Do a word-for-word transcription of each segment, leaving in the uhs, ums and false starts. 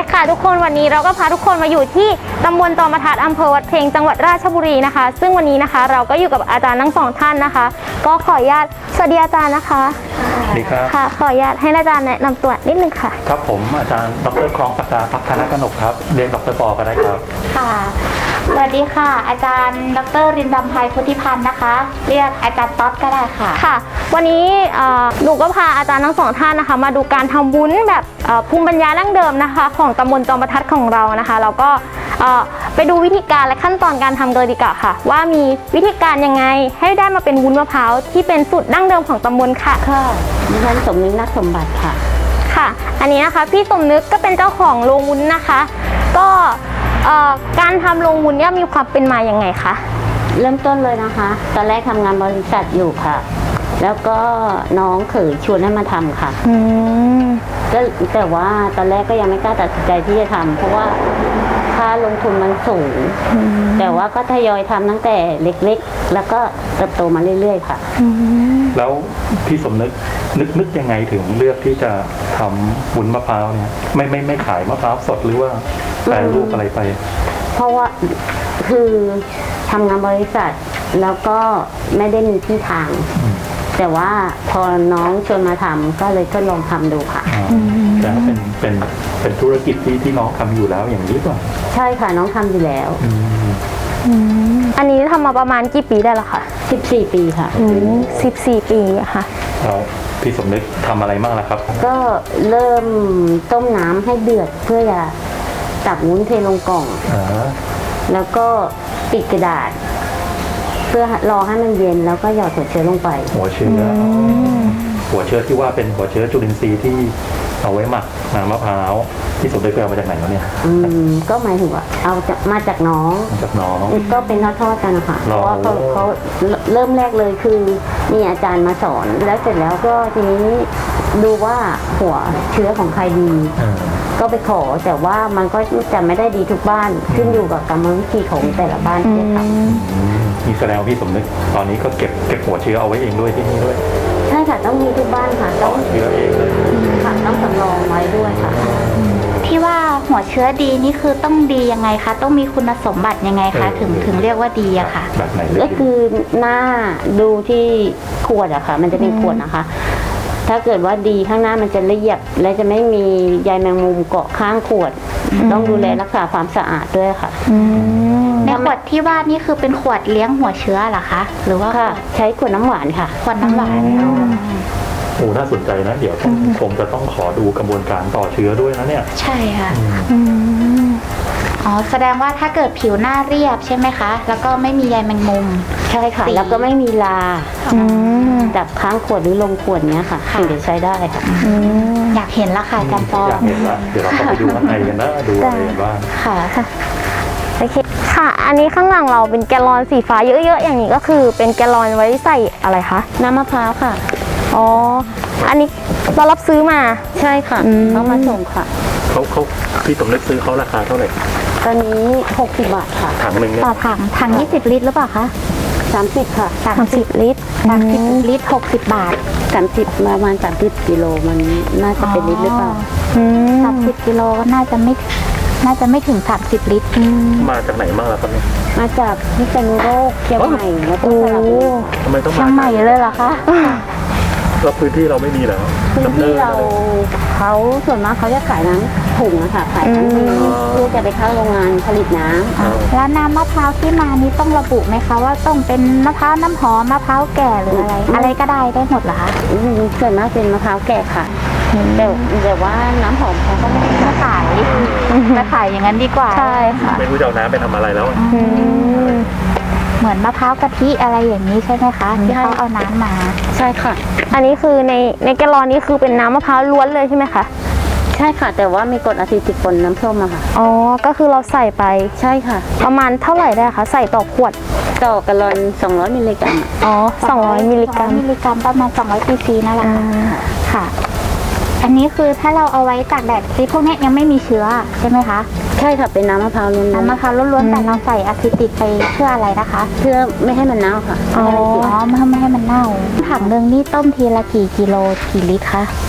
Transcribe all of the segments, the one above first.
ค่ะทุกคนวันนี้เราก็พาทุกคนมาอยู่ที่ตำบลตอมทัดอำเภอวัดเพลงจังหวัดราชบุรีนะคะซึ่งวันนี้นะคะเราก็อยู่กับอาจารย์ทั้งสองท่านนะคะก็ขออนุญาตสวัสดีอาจารย์นะคะสวัสดีครับค่ะขออนุญาตให้อาจารย์แนะนำตัวนิดนึงค่ะครับผมอาจารย์ดร.คลองศักดาภักธนกนกครับเรียนดร.ปอก็ได้ครับค่ะสวัสดีค่ะอาจารย์ดร.รินดำไพพุทธิพันธ์นะคะเรียกอาจารย์ต๊อดก็ได้ค่ะค่ะวันนี้หนูก็พาอาจารย์ทั้งสองท่านนะคะมาดูการทำวุ้นแบบภูมิปัญญาดั้งเดิมนะคะของตำบลจอมทัดของเรานะคะแล้วก็ไปดูวิธีการและขั้นตอนการทำเลยดีกว่าค่ะว่ามีวิธีการยังไงให้ได้มาเป็นวุ้นมะพร้าวที่เป็นสูตรดั้งเดิมของตำบลค่ะค่ะดิฉันสมนึกนักสมบัติค่ะค่ะอันนี้นะคะพี่สมนึกก็เป็นเจ้าของโรงวุ้นนะคะก็การทำโรงวุ้นเนี่ยมีความเป็นมาอย่างไงคะเริ่มต้นเลยนะคะตอนแรกทำงานบริษัทอยู่ค่ะแล้วก็น้องเขยชวนให้มาทำค่ะก็แต่ว่าตอนแรกก็ยังไม่กล้าตัดสินใจที่จะทำเพราะว่าค่าลงทุนมันสูงแต่ว่าก็ทยอยทำตั้งแต่เล็กๆแล้วก็เติบโตมาเรื่อยๆค่ะแล้วพี่สมนึกนึกนึกยังไงถึงเลือกที่จะทำวุ้นมะพร้าวเนี่ยไม่ไม่ไม่ขายมะพร้าวสดหรือว่าแปรรูปอะไรไปเพราะว่าคือทำงานบริษัทแล้วก็ไม่ได้มีที่ทางแต่ว่าพอน้องชวนมาทำก็เลยทดลองทำดูค่ะแต่เป็นเป็นเป็นธุรกิจที่ที่น้องทำอยู่แล้วอย่างนี้ป่ะใช่ค่ะน้องทำอยู่แล้วอันนี้ทำมาประมาณกี่ปีได้ละคะสิบสี่ปีค่ะสิบสี่ปีอะค่ะแล้วพี่สมนึกทำอะไรบ้างล่ะครับก็เริ่มต้มน้ำให้เดือดเพื่อจะตักวุ้นเทลงกล่องแล้วก็ปิดกระดาษเพื่อรอให้มันเย็นแล้วก็หยอดหัวเชื้อลงไปหัวเชื้อหัวเชื้อที่ว่าเป็นหัวเชื้อจุลินทรีย์ที่เอาไว้หมักน้ำมะพร้าวที่สมนึกไปเอามาจากไหนแล้วเนี่ยอืมก็หมายถึงว่าเอาจากมาจากน้องมาจากน้องก็เป็นทอดๆกันนะคะเพราะว่าเขาเขาเริ่มแรกเลยคือมีอาจารย์มาสอนแล้วเสร็จแล้วก็ทีนี้ดูว่าหัวเชื้อของใครดีก็ไปขอแต่ว่ามันก็จะไม่ได้ดีทุกบ้านขึ้นอยู่กับกรรมวิธีของแต่ละบ้านที่ทำมีแสดงพี่สมนึกตอนนี้ก็เก็บเก็บหัวเชื้อเอาไว้เองด้วยที่นี่ด้วยใช่ค่ะต้องมีทุกบ้านค่ะต้องเชื้อเองเลยค่ะต้องสำรองไว้ด้วยค่ะที่ว่าหัวเชื้อดีนี่คือต้องดียังไงคะต้องมีคุณสมบัติยังไงคะถึงถึงเรียกว่าดีอะค่ะแบบไหนก็คือหน้าดูที่ขวดอะค่ะมันจะเป็นขวดนะคะถ้าเกิดว่าดีข้างหน้ามันจะละเอียดและจะไม่มีใยแมงมุมเกาะข้างขวดต้องดูแลรักษาความสะอาดด้วยค่ะในขวดที่ว่านี่คือเป็นขวดเลี้ยงหัวเชื้อเหรอคะหรือว่าใช้ขวดน้ำหวานค่ะขวดน้ำหวานโอ้น่าสนใจนะเดี๋ยวคงจะต้องขอดูกระบวนการต่อเชื้อด้วยนะเนี่ยใช่ค่ะอ๋อแสดงว่าถ้าเกิดผิวหน้าเรียบใช่ไหมคะแล้วก็ไม่มีใยแมงมุมใช่ค่ะแล้วก็ไม่มีลาจับค้างขวดหรือลงขวดเนี้ยค่ะถึงจะใช้ได้ค่ะอยากเห็นละค่ะอาจารย์ปออยากเห็นละเดี๋ยวเราไปดูข้างในกันนะดูอะไรกันบ้างค่ะโอเคค่ะอันนี้ข้างหลังเราเป็นแกลลอนสีฟ้าเยอะๆอย่างนี้ก็คือเป็นแกลลอนไว้ใส่อะไรคะน้ำมะพร้าวค่ะอ๋ออันนี้เรารับซื้อมาใช่ค่ะเขามาส่งค่ะเขาเขาพี่สมนึกซื้อเขาราคาเท่าไหร่ตอนนี้หกสิบบาทค่ะถังหนึ่งต่อถังถังยี่สิบลิตรหรือเปล่าคะสามสิบค่ะสามสิบลิตรสามสิบลิตรหกสิบบาทสามสิบประมาณสามสิบกิโลมันน่าจะเป็นลิตรหรือเปล่าสามสิบกิโลก็น่าจะไม่น่าจะไม่ถึงสามสิบลิตรมาจากไหนบ้างล่ะครับเนี่ยมาจากพิษณุโลกเชียงใหม่แล้วก็สระบุรีทำไมต้องมาเชียงใหม่เลยเหรอคะแล้วพื้นที่เราไม่มีแล้วพื้นที่เราเขาส่วนมากเขาจะขายน้ำถุงนะคะขายน้ำเพื่อจะไปเข้าโรงงานผลิตน้ำแล้วน้ำมะพร้าวที่มานี้ต้องระบุไหมคะว่าต้องเป็นมะพร้าวน้ำหอมมะพร้าวแก่หรืออะไรอะไรก็ได้ได้หมดเหรอคะส่วนมากเป็นมะพร้าวแก่ค่ะแต่แต่ว่าน้ำหอมเขาก็ไม่มาขายมาขายอย่างนั้นดีกว่าใช่ค่ะไม่รู้จะเอาน้ำไปทำอะไรแล้วเหมือนมะพร้าวกะทิอะไรอย่างนี้ใช่ไหมคะที่เขาเอาน้ำมาใช่ค่ะอันนี้คือในในแกลลอนนี้คือเป็นน้ำมะพร้าวล้วนเลยใช่ไหมคะใช่ค่ะแต่ว่ามีกรดอะซิติกปนน้ำส้มอะค่ะอ๋อก็คือเราใส่ไปใช่ค่ะประมาณเท่าไหร่ได้คะใส่ต่อขวดต่อแกลลอนสองร้อยมิลลิกรัมอ๋อสองร้อยมิลลิกรัมมิลลิกรัมประมาณสองร้อยซีซีนั่นแหละค่ะอันนี้คือถ้าเราเอาไว้ตากแดดที่พวกนี้ยังไม่มีเชื้อใช่ไหมคะใช่ค่ะเป็นน้ำมะพร้าวล้วนน้ำมะพร้าวล้วนๆแต่เราใส่อะซิติกไปเพื่ออะไรนะคะเพื่อไม่ให้มันเน่าค่ะอ๋อไม่ให้มันเน่าถังหนึ่งนี่ต้มทีละกี่กิโลกี่ลิตรคะ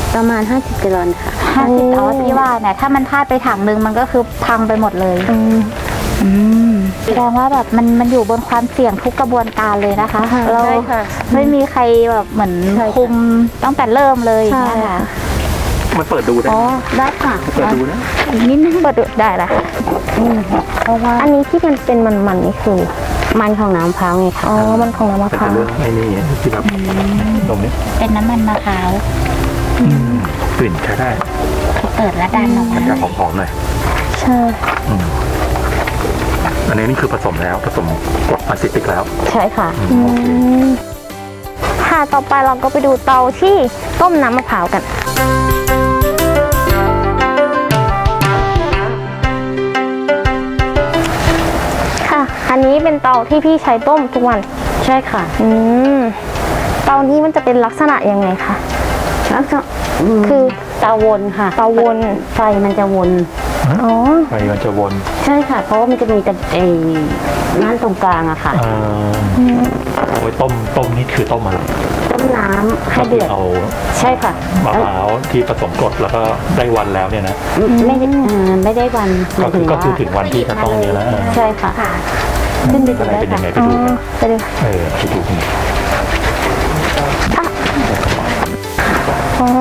ประมาณห้าสิบกิโลค่ะห้าสิบอ๋อที่ว่าเนี่ยถ้ามันพลาดไปถังนึงมันก็คือพังไปหมดเลยอืมอืมแสดงว่าแบบมันมันอยู่บนความเสี่ยงทุกกระบวนการเลยนะคะ เราใช่ค่ะไม่มีใครแบบเหมือนใช่ค่ะคุมตั้งแต่เริ่มเลยอย่างใช่เงี้ยค่ะมันเปิดดูได้อ๋อไหมได้ค่ะเปิดดูนะอีกนิดนึงเปิดดูได้ละค่ะเพราะว่าอันนี้ที่มันเป็นมันๆนี่คือมันของน้ำมะพร้าวไงค่ะอ๋อ มันของน้ำมะเป็นพร้าวเรื่องไอ้นี่ที่แบบตรงนี้เป็นน้ำมันมะพร้าวกลิ่นใช้ได้เปิดและดันออกมามันจะหอมๆหน่อยใช่อืมอันนี้นี่คือผสมแล้วผสมกรดอะซิติกแล้วใช่ค่ะอืมโอเคอืมค่ะต่อไปเราก็ไปดูเตาที่ต้มน้ำมะพร้าวกัน ค่ะ อันนี้เป็นเตาที่พี่ใช้ต้มทุกวันใช่ค่ะอืม เตานี้มันจะเป็นลักษณะยังไงคะแล้วก็มคือเตาวนค่ะเตาวนไฟมันจะวนอ๋อไฟมันจะวนใช่ค่ะ เพราะว่ามันจะมีแต่ไอ้นั่นตรงกลางอะค่ะเอ่อเอาไว้ต้มต้มนี่คือต้มอะไรต้มน้ำให้ก็คืเดือดเอาใช่ค่ะมะพร้าวที่ผสมกรดแล้วก็ได้วันแล้วเนี่ยนะไม่ได้เอ่อไม่ได้วันหก็มายคืถึอง ก็ว่าคือถึงวันที่จะต้องเนี่ยแล้วเออใช่ค่ะ ขึ้นไปดูอะไรได้เป็นยัค่ะงไงไปอ๋อดูกันไปดูเออไปดูกันอ๋อ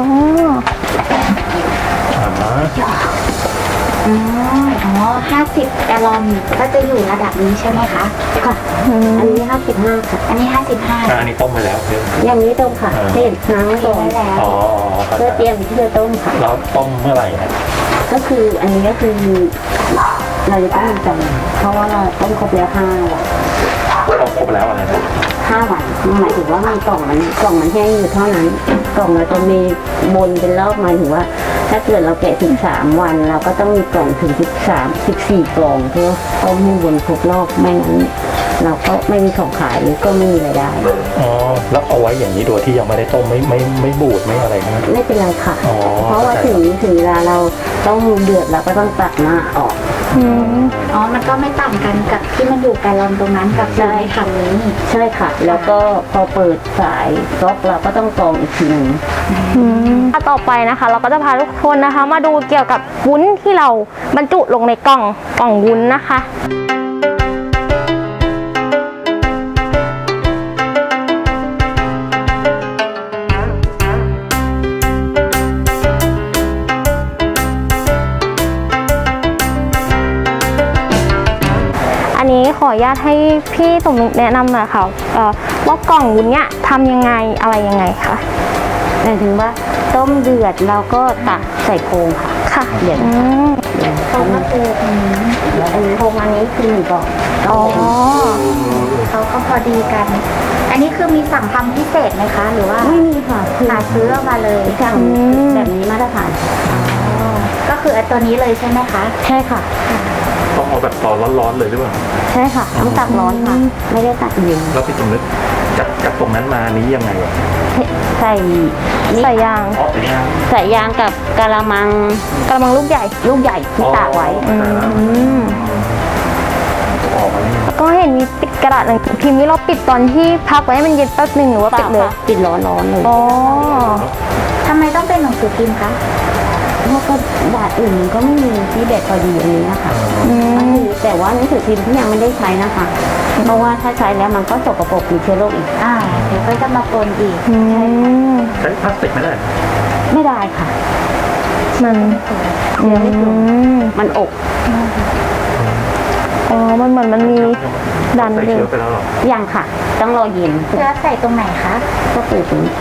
อ่าอ๋ออ๋อห้าสิบแกลลอนก็จะอยู่ระดับนี้ใช่ไหมคะค่ะ อันนี้ห้าสิบห้าค่ะอันนี้ห้าสิบห้าอ่าอันนี้ต้มไปแล้วเดี๋ยวอย่างนี้ต้มค่ะเออเห็นน้ำก่อนได้แล้วอ๋อครับเพื่อเตรียมที่จะต้มค่ะแล้วต้มเมื่อไหร่นะก็คืออันนี้ก็คือเราจะต้องมีจำเพราะว่าเราต้มครบแล้วห้าวันต้มครบแล้วอะไรนะห้าวันหมายถึงว่ามันกล่องมันกล่องมันแห้งอยู่เท่านั้น กล่องเราจะมีบนเป็นรอบหมายถึงว่า ถ้าเกิดเราแกะถึงสามวัน เราก็ต้องมีกล่องถึงสิบสามสิบสี่กล่องเพื่อต้มให้บนครบรอบไม่งั้นเราก็ไม่มีของขายหรือก็ไม่มีรายได้อ๋อแล้วเอาไว้อย่างนี้โดยที่ยังไม่ได้ต้มไม่ไม่ไม่บูดไม่อะไรนะไม่เป็นไรค่ะอ๋อเพราะว่าถึงถึงเวลาเราต้องเดือดเราก็ต้องตักหน้าออกอืมอ๋อ มันก็ไม่ต่างกันกับที่มันอยู่แกลลอนตรงนั้นกับอยู่ในถังนี้ใช่ค่ะ แล้วก็พอเปิดสายก๊อกเราก็ต้องกรองอีกทีหนึ่งอืมอ่ะต่อไปนะคะ เราก็จะพาทุกคนนะคะ มาดูเกี่ยวกับวุ้นที่เราบรรจุลงในกล่องกล่องวุ้นนะคะ อันนี้ขออนุญาตให้พี่สมนึกแนะนำหน่อยค่ะเอ่อว่ากล่องวุ้นเนี่ยทำยังไงอะไรยังไงคะหมายถึงว่าต้มเดือดเราก็ตักใส่โครงค่ะค่ะเดี๋ยวอืมโครงก็คืออืมแล้วอันนี้โครงอันนี้คือหนึ่งกล่องอ๋อเขาก็พอดีกัน อันนี้คือมีสั่งทำพิเศษไหมคะ หรือว่าไม่มีค่ะคือหาซื้อมาเลยสั่งแบบนี้มาตรฐานก็คือไอ้ตัวนี้เลยใช่ไหมคะใช่ค่ะต้องเอาแบบตอนร้อนๆเลยหรือเปล่าใช่ค่ะต้องตักร้อนค่ะ ไม่ได้ตักเย็นแล้วพี่สมนึกจากจากตรงนั้นมานี้ยังไงอ่ะใส่นี่ใส่ยางอ๋อเป็นยังใส่ยางกับกะละมังกระมังลูกใหญ่ลูกใหญ่ที่ตากไว้อืมออกมานี่ก็เห็นมีปิดกระดาษหนังสือพิมพ์นี่เราปิดตอนที่พักไว้ให้มันเย็นแป๊บหนึ่งหรือว่าเปปิล่าดเลยค่ะปิดร้อนร้อนๆเลยอ๋อทำไมต้องเป็นหนังสือพิมพ์คะเพราะก็บาทอื่นมันก็ไม่มีที่แบบพอดีอันนี้นะคะอืมแต่ว่าหนังสือพิมพ์ที่ยังไม่ได้ใช้นะคะ เพราะว่าถ้าใช้แล้วมันก็สกปรกมีเชื้อโรคอีกอ่า เดี๋ยวก็จะมาปนอีกอืมใช้พลาสติกไม่ได้ไม่ได้ค่ะมันอืมมันอกอ๋อ มันเหมือนมันมีดันใส่เลเชื้ยอไปแล้วเหรอยังค่ะ ต้องรอเย็นเชื้อใส่ตรงไหนคะก็คือตรงนี้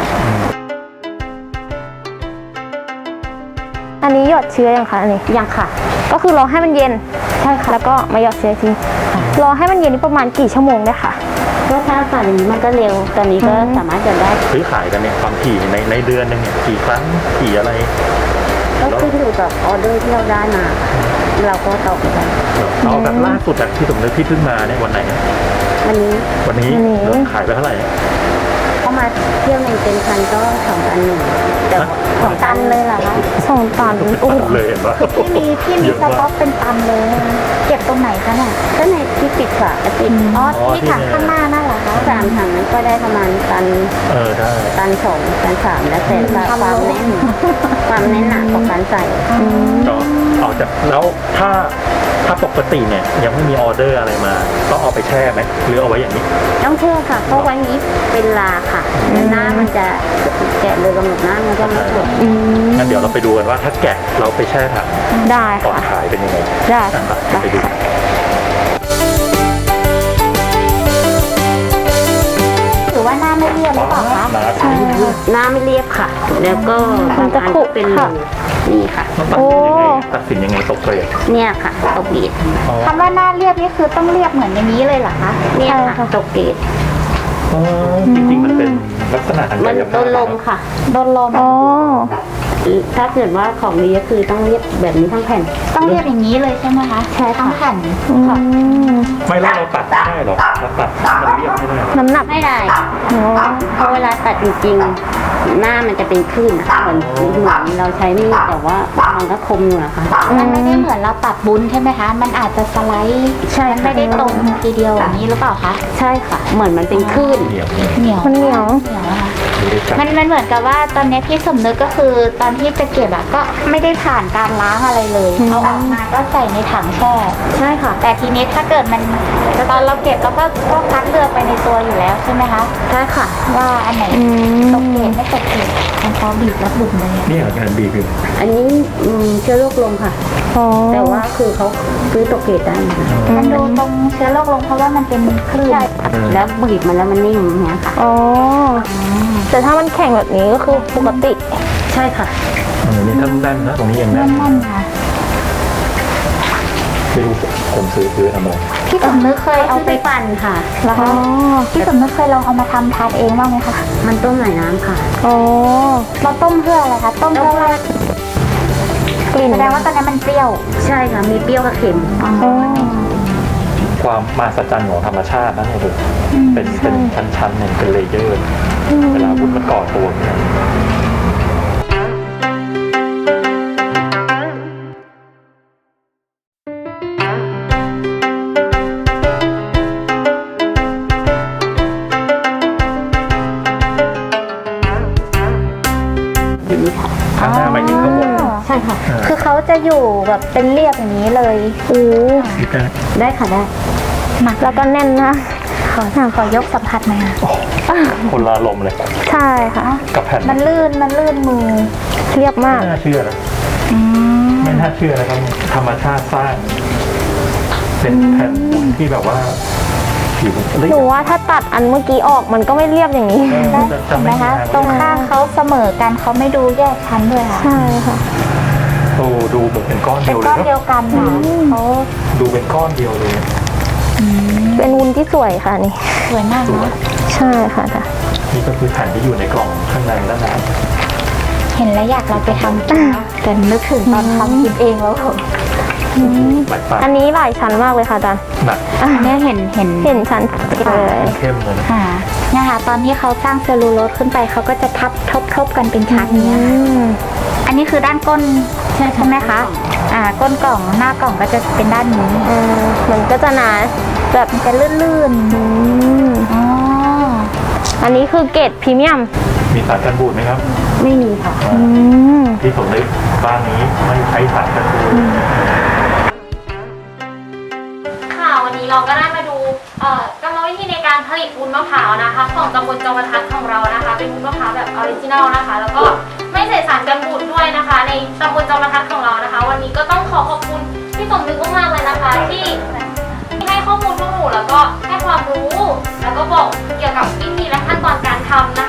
อันนี้หยอดเชื้อยังคะอันนี้ยังค่ะก็คือรอให้มันเย็น ใช่ค่ะ แล้วก็มาหยอดเชื้อทีรอให้มันเย็นนี่ประมาณกี่ชั่วโมงได้ค่ะก็ถ้าฝั่งนี้มันก็เร็ว ตอนนี้ก็อืมสามารถจะได้ซื้อขายกันเนี่ยความถี่ในในเดือนหนึงเนี่ยกี่ครั้งกี่อะไรก็ขึ้นอยู่กับออเดอร์ที่เราได้มา เราก็ตอบไปได้เอาแบบล่าสุดจากที่สมนึกที่เพิ่งมาเนี่ยวันไหนนะวันนี้วันนี้วันนี้เราขายไปเท่าไหร่ประมาเที่ยวในเต็นท์คันก็สองตันหนึ่งแต่สองตันเลยเหรอคะสองตันโอ้เลยเห็นปะพี่มีพี่มีสต็อกเป็นตันเลยนะคะเก็บตรงไหนคะเนี่ยก็ในที่ปิดฝากระติกอ๋อที่ถังข้างหน้านั่นเหรอคะสามถังนั้นก็ได้ประมาณตันเออได้ตันสองตันสามแล้วแต่ความแน่นความแน่นหนาของการใส่ก็ออกจากแล้วถ้าถ้าปกติเนี่ยยังไม่มีออเดอร์อะไรมาต้องเอาไปแช่ไหมหรือเอาไว้อย่างนี้ต้องแช่ค่ะเพราะไว้นี้เป็นลาค่ะหน้ามันจะแกะเลยกำหนดหน้ามันก็ไม่สวยงั้นเดี๋ยวเราไปดูกันว่าถ้าแกะเราไปแช่ถังได้ก่อนค่ะขายเป็นยังไงได้อ่ะค่ะไปดูหรือว่าหน้าไม่เรียบหรือเปล่าคะนะใช่ค่ะหน้าไม่เรียบค่ะ แล้วก็บางอันก็เป็นรูนี่ค่ะต้องตัดสินยังไงตัดสินยังไงตกเกรดเนี่ยค่ะตกเกรดอ๋อคำว่าหน้าเรียบนี่คือต้องเรียบเหมือนอย่างนี้เลยเหรอคะเนี่ยค่ะตกเกรดอ๋อจริงๆมันเป็นลักษณะทางมักาน ยโดภาพนลมค่ะโดนลมอ๋อถ้าเกิดว่าของดีก็คือต้องเรียบแบบนี้ทั้งแผ่นต้องเรียบอย่างนี้เลยใช่ไหมคะใช่ค่ะทั้งแผ่นอืมไม่แล้วเราตัดไม่ได้หรอเราตัดมันเรียบไม่ได้หรอน้ำหนักไม่ได้อ๋อเพราะเวลาตัดจริงๆหน้ามันจะเป็นคลื่นอะเหมือนเหมือนเราใช้มีดแต่ว่ามันก็คมอยู่นะคะมันไม่ได้เหมือนเราตัดบุ้นใช่ไหมคะ มันอาจจะสไลด์ใช่มันค่ะไม่ได้ตรงทีเดียวอย่างนี้หรือเปล่าคะใช่ค่ะ เหมือนมันเป็นคลื่นเหนียวเหนียวมันเหนียวเหนียวอะค่ะไม่ได้จับมันมันเหมือนกับว่าตอนนี้พี่สมนึกก็คือตอนที่จะเก็บอะก็ไม่ได้ผ่านการล้างอะไรเลยอืมเอาออกมาก็ใส่ในถังแช่ใช่ค่ะแต่ทีนี้ถ้าเกิดมันตอนเราเก็บเราก็ก็คัดเลือกไปในตัวอยู่แล้วใช่ไหมคะใช่ค่ะว่าอันไหนอืมตกเกรดไม่ตกเกรดมันพอบีบแล้วบุ๋มเลยอะนี่เหรองานบีคืออันนี้อืมเชื้อโรคลงค่ะอ๋อแต่ว่าคือเขาซื้อตกเกรดได้นะคะมันดูตรงเชื้อโรคลงเพราะว่ามันเป็นคลื่นแล้วบีบมันแล้วมันนิ่มอย่างเงี้ยค่ะอ๋อ แต่ถ้ามันแข็งแบบนี้ก็คือปกติใช่ค่ะเออนี่ถ้าแน่นนะตรงนี้ยังแน่นั่นนนั่นๆค่ะไม่รู้ผมซื้อซื้อทำอะไรพี่สมนึกเคยเอาเอาไปไปปั่นค่ะเหรอคะพี่สมนึกเคยลองเอามาทำทานเองบ้างไหมคะมันต้มหลายน้ำค่ะอ๋อเราต้มเพื่ออะไรคะต้มเพื่อว่ากลิ่นแสดงว่าตอนนี้มันเปรี้ยวใช่ค่ะ มีเปรี้ยวกับเค็มอ๋อความมหัศจรรย์ของธรรมชาตินะเนี่ยคือเป็นเป็นชั้นๆเนี่ยเป็นเลเยอร์ เวลาวุ้นมันก่อตัวเนี่ย ข้างหน้าไม่ถึงข้างบนใช่ค่ะคือเขาจะอยู่แบบเป็นเรียบอย่างนี้เลยโอ้นี่ก็ได้ค่ะได้หนักแล้วก็แน่นนะขอขอยกสัมผัสหน่อยค่ะคนละลมณ์เลยใช่ค่ะกับแผ่นมันลื่นมันลื่นมือเรียบมากไม่น่าเชื่อนะอืมไม่น่าเชื่อนะครับธรรมชาติสร้าง เป็นแผ่นวุ้นที่แบบว่าผิวเรียหนูบว่าถ้าตัดอันเมื่อกี้ออกมันก็ไม่เรียบอย่างนี้เออได้จะจะเห็นไหมไม่คะมีตรงทางข้างเขาเสมอกันเขาไม่ดูแยกชั้นด้วยค่ะใช่ค่ะโอ้ดูเหมือนเป็นก้อนเป็เดีนยวเลก้อย นเดีเนยวอะกันค่ะเขาดูเป็นก้อนเดียวเลยเป็นวุ้นที่สวยค่ะนี่สวยมากสวยเนาะใช่ค่ะจ้ะนี่ก็คือแผ่นที่อยู่ในกล่องข้างในด้านในเห็นแล้วอยากเราไปทำกินนะแต่นึกถึงตอนทำกินเองแล้วหลายปากอันนี้หลายชั้นมากเลยค่ะอาจารย์หนักเนี่ยเห็นเห็นเห็นชั้นเลยเข้มเลยนะค่ะเนี่ยค่ะตอนที่เขาสร้างเซลลูโลสขึ้นไปเขาก็จะทับทบทบกันเป็นชั้นเนี้ยอืค่ะมอันนี้คือด้านก้นใช่ใช่ไหมคะ อ่า ก้นกล่องหน้ากล่องก็จะเป็นด้านนี้เออมันก็จะหนาแบบมันจะลื่นอืมๆอ๋ออันนี้คือเกรดพรีเมียมมีสารกันบูดไหมครับไม่มีค่ะอืมที่ผมนึกบ้านนี้ไม่ใช้สารกันบูดค่ะวันนี้เราก็ได้มาดูเอ่อกรรมวิธีในการผลิตวุ้นมะพร้าวนะคะ ของตำบลจอมทัศน์ของเรานะคะ เป็นวุ้นมะพร้าวแบบออริจินัลนะคะ แล้วก็ไม่ใส่สารกันบูดด้วยนะคะ ในตำบลจอมทัศน์ของเรานะคะ วันนี้ก็ต้องขอขอบคุณพี่สมนึกมากๆเลยนะคะ ที่ให้ข้อมูลพวกหนูแล้วก็ให้ความรู้ แล้วก็บอกเกี่ยวกับวิธีและขั้นตอนการทำนะคะ